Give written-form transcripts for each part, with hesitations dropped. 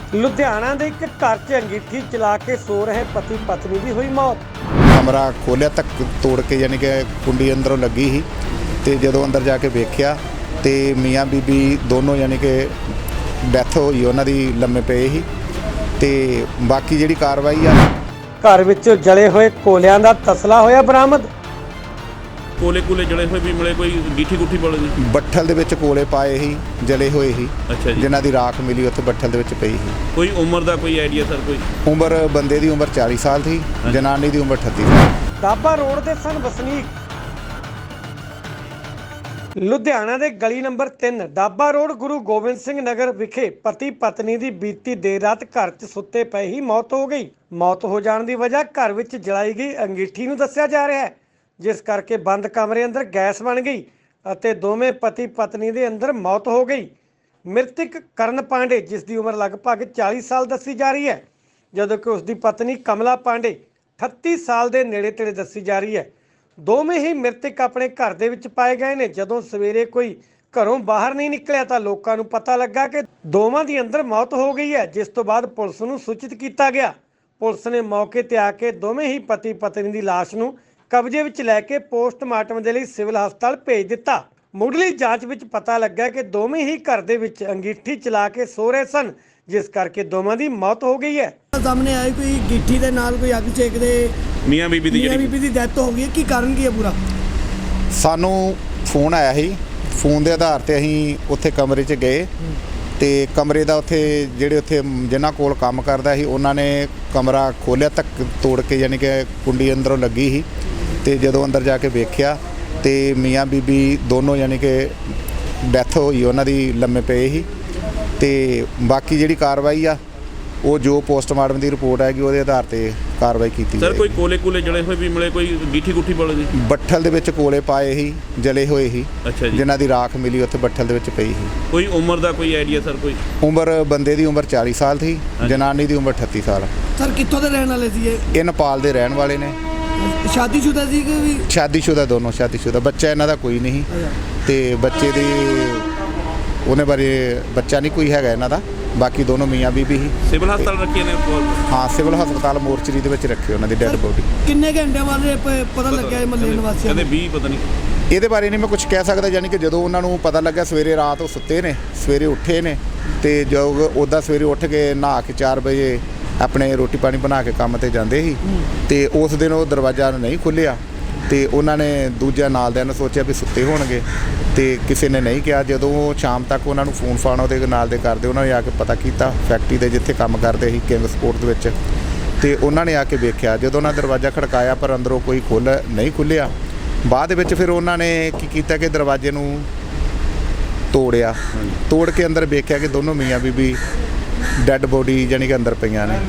ਲੁਧਿਆਣਾ ਦੇ ਇੱਕ ਘਰ 'ਚ ਅੰਗੀਠੀ ਚਲਾ ਕੇ ਸੋ ਰਹੇ ਪਤੀ ਪਤਨੀ ਦੀ ਹੋਈ ਮੌਤ। ਕਮਰਾ ਖੋਲ੍ਹਿਆ ਤੱਕ ਤੋੜ ਕੇ ਯਾਨੀ ਕਿ ਕੁੰਡੀ ਅੰਦਰੋਂ ਲੱਗੀ ਸੀ ਤੇ ਜਦੋਂ ਅੰਦਰ ਜਾ ਕੇ ਵੇਖਿਆ ਤੇ ਮੀਆਂ ਬੀਬੀ ਦੋਨੋਂ ਯਾਨੀ ਕਿ ਡੈਥ ਹੋਈ ਉਹਨਾਂ ਦੀ, ਲੰਮੇ ਪਏ ਸੀ। ਤੇ ਬਾਕੀ ਜਿਹੜੀ ਕਾਰਵਾਈ ਆ, ਘਰ ਵਿੱਚ ਜਲੇ ਹੋਏ ਕੋਲਿਆਂ ਦਾ ਤਸਲਾ ਹੋਇਆ ਬਰਾਮਦ। ਕੋਲੇ ਜਲੇ ਹੋਏ ਵੀ ਮਿਲੇ, ਕੋਈ ਗੀਠੀ ਗੁੱਠੀ ਬੋਲੇ ਜੀ। ਬੱਠਲ ਦੇ ਵਿੱਚ ਕੋਲੇ ਪਾਏ ਸੀ, ਜਲੇ ਹੋਏ ਸੀ। ਅੱਛਾ ਜੀ। ਜਿਨ੍ਹਾਂ ਦੀ ਰਾਖ ਮਿਲੀ ਉੱਥੇ ਬੱਠਲ ਦੇ ਵਿੱਚ ਪਈ ਸੀ। ਕੋਈ ਉਮਰ ਦਾ ਕੋਈ ਆਈਡੀਆ ਸਰ? ਕੋਈ ਉਮਰ ਬੰਦੇ ਦੀ ਉਮਰ 40 ਸਾਲ ਸੀ, ਜਨਾਨੀ ਦੀ ਉਮਰ 38 ਸਾਲ। ਦਾਬਾ ਰੋਡ ਦੇ ਸਨ ਵਸਨੀਕ। ਲੁਧਿਆਣਾ ਦੇ ਗਲੀ ਨੰਬਰ 3 ਦਾਬਾ ਰੋਡ ਗੁਰੂ ਗੋਬਿੰਦ ਸਿੰਘ ਨਗਰ ਵਿਖੇ ਪਤੀ ਪਤਨੀ ਦੀ ਬੀਤੀ ਦੇਰ ਰਾਤ ਘਰ 'ਚ ਸੁੱਤੇ ਪਏ ਹੀ ਮੌਤ ਹੋ ਗਈ। ਮੌਤ ਹੋ ਜਾਣ ਦੀ ਵਜ੍ਹਾ ਘਰ ਵਿੱਚ ਜਲਾਈ ਗਈ ਅੰਗੀਠੀ ਨੂੰ ਦੱਸਿਆ ਜਾ ਰਿਹਾ ਹੈ, ਜਿਸ ਕਰਕੇ ਬੰਦ ਕਮਰੇ ਅੰਦਰ ਗੈਸ ਬਣ ਗਈ ਅਤੇ ਦੋਵੇਂ ਪਤੀ ਪਤਨੀ ਦੇ ਅੰਦਰ ਮੌਤ ਹੋ ਗਈ। ਮ੍ਰਿਤਕ ਕਰਨ ਪਾਂਡੇ, ਜਿਸ ਦੀ ਉਮਰ ਲਗਭਗ 40 ਸਾਲ ਦੱਸੀ ਜਾ ਰਹੀ ਹੈ, ਜਦੋਂ ਕਿ ਉਸ ਦੀ ਪਤਨੀ ਕਮਲਾ ਪਾਂਡੇ 38 ਸਾਲ ਦੇ ਨੇੜੇ ਤੇੜੇ ਦੱਸੀ ਜਾ ਰਹੀ ਹੈ। ਦੋਵੇਂ ਹੀ ਮ੍ਰਿਤਕ ਆਪਣੇ ਘਰ ਦੇ ਵਿੱਚ ਪਾਏ ਗਏ ਨੇ। ਜਦੋਂ ਸਵੇਰੇ ਕੋਈ ਘਰੋਂ ਬਾਹਰ ਨਹੀਂ ਨਿਕਲਿਆ ਤਾਂ ਲੋਕਾਂ ਨੂੰ ਪਤਾ ਲੱਗਾ ਕਿ ਦੋਵਾਂ ਦੀ ਅੰਦਰ ਮੌਤ ਹੋ ਗਈ ਹੈ, ਜਿਸ ਤੋਂ ਬਾਅਦ ਪੁਲਿਸ ਨੂੰ ਸੂਚਿਤ ਕੀਤਾ ਗਿਆ। ਪੁਲਿਸ ਨੇ ਮੌਕੇ ਤੇ ਆ ਕੇ ਦੋਵੇਂ ਹੀ ਪਤੀ ਪਤਨੀ ਦੀ ਲਾਸ਼ ਨੂੰ ਕਬਜ਼ੇ ਵਿੱਚ ਲੈ ਕੇ ਪੋਸਟਮਾਰਟਮ ਦੇ ਲਈ ਸਿਵਲ ਹਸਪਤਾਲ ਭੇਜ ਦਿੱਤਾ। ਮੁੱਢਲੀ ਜਾਂਚ ਵਿੱਚ ਪਤਾ ਲੱਗਾ ਕਿ ਦੋਵੇਂ ਹੀ ਘਰ ਦੇ ਵਿੱਚ ਅੰਗੀਠੀ ਚਲਾ ਕੇ ਸੋ ਰਹੇ ਸਨ, ਜਿਸ ਕਰਕੇ ਦੋਵਾਂ ਦੀ ਮੌਤ ਹੋ ਗਈ ਹੈ। ਸਾਹਮਣੇ ਆਇਆ ਕੋਈ ਗਿੱਠੀ ਦੇ ਨਾਲ ਕੋਈ ਅੱਗ ਸੇਕਦੇ ਮੀਆਂ ਬੀਬੀ ਦੀ ਡੈਥ ਹੋ ਗਈ ਹੈ। ਕੀ ਕਾਰਨ ਕੀ ਹੈ ਪੂਰਾ? ਸਾਨੂੰ ਫੋਨ ਆਇਆ ਸੀ, ਫੋਨ ਦੇ ਆਧਾਰ ਤੇ ਅਸੀਂ ਉੱਥੇ ਕਮਰੇ 'ਚ ਗਏ ਤੇ ਕਮਰੇ ਦਾ ਉੱਥੇ ਜਿਨ੍ਹਾਂ ਕੋਲ ਕੰਮ ਕਰਦਾ ਸੀ ਉਹਨਾਂ ਨੇ ਕਮਰਾ ਖੋਲ੍ਹਿਆ ਤੱਕ ਤੋੜ ਕੇ ਯਾਨੀ ਕਿ ਕੁੰਡੀ ਅੰਦਰੋਂ ਲੱਗੀ ਸੀ ਤੇ ਜਦੋਂ ਅੰਦਰ ਜਾ ਕੇ ਵੇਖਿਆ ਤੇ ਮੀਆਂ ਬੀਬੀ ਦੋਨੋਂ ਯਾਨੀ ਕਿ ਡੈਥ ਹੋਈ ਉਹਨਾਂ ਦੀ, ਲੰਮੇ ਪਏ ਸੀ। ਤੇ ਬਾਕੀ ਜਿਹੜੀ ਕਾਰਵਾਈ ਆ ਉਹ ਜੋ ਪੋਸਟਮਾਰਟਮ ਦੀ ਰਿਪੋਰਟ ਆਏਗੀ ਉਹਦੇ ਆਧਾਰ ਤੇ ਕਾਰਵਾਈ ਕੀਤੀ ਸਰ। ਜਾਏਗੀ। ਕੋਈ ਕੋਲੇ ਜਲੇ ਹੋਏ ਵੀ ਮਿਲੇ, ਕੋਈ ਗੀਠੀ ਗੁੱਠੀ ਬੋਲੇ ਜੀ। ਬੱਠਲ ਦੇ ਵਿੱਚ ਕੋਲੇ ਪਾਏ ਸੀ, ਜਲੇ ਹੋਏ ਸੀ। ਅੱਛਾ ਜੀ। ਜਿਨ੍ਹਾਂ ਦੀ ਰਾਖ ਮਿਲੀ ਉੱਥੇ ਬੱਠਲ ਦੇ ਵਿੱਚ ਪਈ ਸੀ। ਕੋਈ ਉਮਰ ਦਾ ਕੋਈ ਆਈਡੀਆ ਸਰ? ਕੋਈ ਉਮਰ ਬੰਦੇ ਦੀ ਉਮਰ 40 ਸਾਲ ਸੀ, ਜਨਾਨੀ ਦੀ ਉਮਰ 38 ਸਾਲ। ਸਰ ਕਿੱਥੋਂ ਦੇ ਰਹਿਣ ਵਾਲੇ ਸੀ ਇਹ ਨੇਪਾਲ ਦੇ ਰਹਿਣ ਵਾਲੇ ਨੇ। ਸ਼ਾਦੀशुदा ਸੀ ਕਿ ਵੀ? ਸ਼ਾਦੀशुदा, ਦੋਨੋਂ ਸ਼ਾਦੀशुदा। ਬੱਚਾ ਇਹਨਾਂ ਦਾ ਕੋਈ ਨਹੀਂ ਤੇ ਬੱਚੇ ਦੀ ਉਹਨੇ ਬਾਰੇ ਬੱਚਾ ਨਹੀਂ ਕੋਈ ਹੈਗਾ ਇਹਨਾਂ ਦਾ। ਬਾਕੀ ਦੋਨੋਂ ਮੀਆਂ ਬੀਬੀ ਸੀ। ਸਿਵਲ ਹਸਪਤਾਲ ਰੱਖੇ ਨੇ? ਹਾਂ, ਸਿਵਲ ਹਸਪਤਾਲ ਮੋਰਚਰੀ ਦੇ ਵਿੱਚ ਰੱਖੇ ਉਹਨਾਂ ਦੀ ਡੈੱਡ ਬੋਡੀ। ਕਿੰਨੇ ਘੰਟੇ ਬਾਅਦ ਪਤਾ ਲੱਗਿਆ ਮਹੱਲੇ ਨਿਵਾਸੀਆਂ ਕਹਿੰਦੇ ਨੂੰ? 20 ਪਤਾ ਨਹੀਂ। ਇਹਦੇ ਬਾਰੇ ਨਹੀਂ ਮੈਂ ਕੁਝ ਕਹਿ ਸਕਦਾ। ਯਾਨੀ ਕਿ ਜਦੋਂ ਉਹਨਾਂ ਨੂੰ ਪਤਾ ਲੱਗਿਆ, ਸਵੇਰੇ ਰਾਤ ਉਹ ਸੁੱਤੇ ਨੇ, ਸਵੇਰੇ ਉੱਠੇ ਨੇ ਤੇ ਜੋ ਉੱਦਾਂ ਸਵੇਰੇ ਉੱਠ ਕੇ ਨਹਾ ਕੇ 4 ਵਜੇ ਆਪਣੇ ਰੋਟੀ ਪਾਣੀ ਬਣਾ ਕੇ ਕੰਮ ਤੇ ਜਾਂਦੇ ਸੀ ਤੇ ਉਸ ਦਿਨ ਉਹ ਦਰਵਾਜ਼ਾ ਨਹੀਂ ਖੁੱਲ੍ਹਿਆ ਤੇ ਉਹਨਾਂ ਨੇ ਦੂਜਾ ਨਾਲ ਦਿਆਂ ਨੇ ਸੋਚਿਆ ਵੀ ਸੁੱਤੇ ਹੋਣਗੇ ਤੇ ਕਿਸੇ ਨੇ ਨਹੀਂ ਕਿਹਾ। ਜਦੋਂ ਸ਼ਾਮ ਤੱਕ ਉਹਨਾਂ ਨੂੰ ਫੋਨ ਫਾਨ ਉਹਦੇ ਨਾਲ ਦੇ ਕਰਦੇ, ਉਹਨਾਂ ਨੇ ਆ ਕੇ ਪਤਾ ਕੀਤਾ ਫੈਕਟਰੀ ਦੇ ਜਿੱਥੇ ਕੰਮ ਕਰਦੇ ਸੀ ਕਿੰਗ ਸਪੋਰਟ ਦੇ ਵਿੱਚ, ਤੇ ਉਹਨਾਂ ਨੇ ਆ ਕੇ ਵੇਖਿਆ। ਜਦੋਂ ਉਹਨਾਂ ਦਰਵਾਜ਼ਾ ਖੜਕਾਇਆ ਪਰ ਅੰਦਰੋਂ ਕੋਈ ਨਹੀਂ ਖੁੱਲ੍ਹਿਆ। ਬਾਅਦ ਵਿੱਚ ਫਿਰ ਉਹਨਾਂ ਨੇ ਕੀ ਕੀਤਾ ਕਿ ਦਰਵਾਜ਼ੇ ਨੂੰ ਤੋੜਿਆ, ਤੋੜ ਕੇ ਅੰਦਰ ਵੇਖਿਆ ਕਿ ਦੋਨੋਂ ਮੀਆਂ ਬੀਬੀ ਡੈੱਡ ਬੋਡੀ ਜਾਨੀ ਕਿ ਅੰਦਰ ਪਈਆਂ ਨੇ।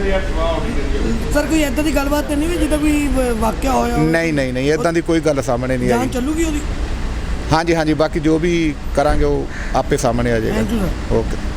ਸਰ ਕੋਈ ਇੱਦਾਂ ਦੀ ਗੱਲਬਾਤ ਤਾਂ ਨਹੀਂ ਵੀ ਜਿੱਦਾਂ ਕੋਈ ਵਾਕਿਆ ਹੋਇਆ? ਨਹੀਂ ਇੱਦਾਂ ਦੀ ਕੋਈ ਗੱਲ ਸਾਹਮਣੇ ਨਹੀਂ ਆਈ। ਜਾਂਚ ਚੱਲੂਗੀ ਉਹਦੀ? ਹਾਂਜੀ, ਬਾਕੀ ਜੋ ਵੀ ਕਰਾਂਗੇ ਉਹ ਆਪੇ ਸਾਹਮਣੇ ਆ ਜਾਏਗਾ। ਓਕੇ।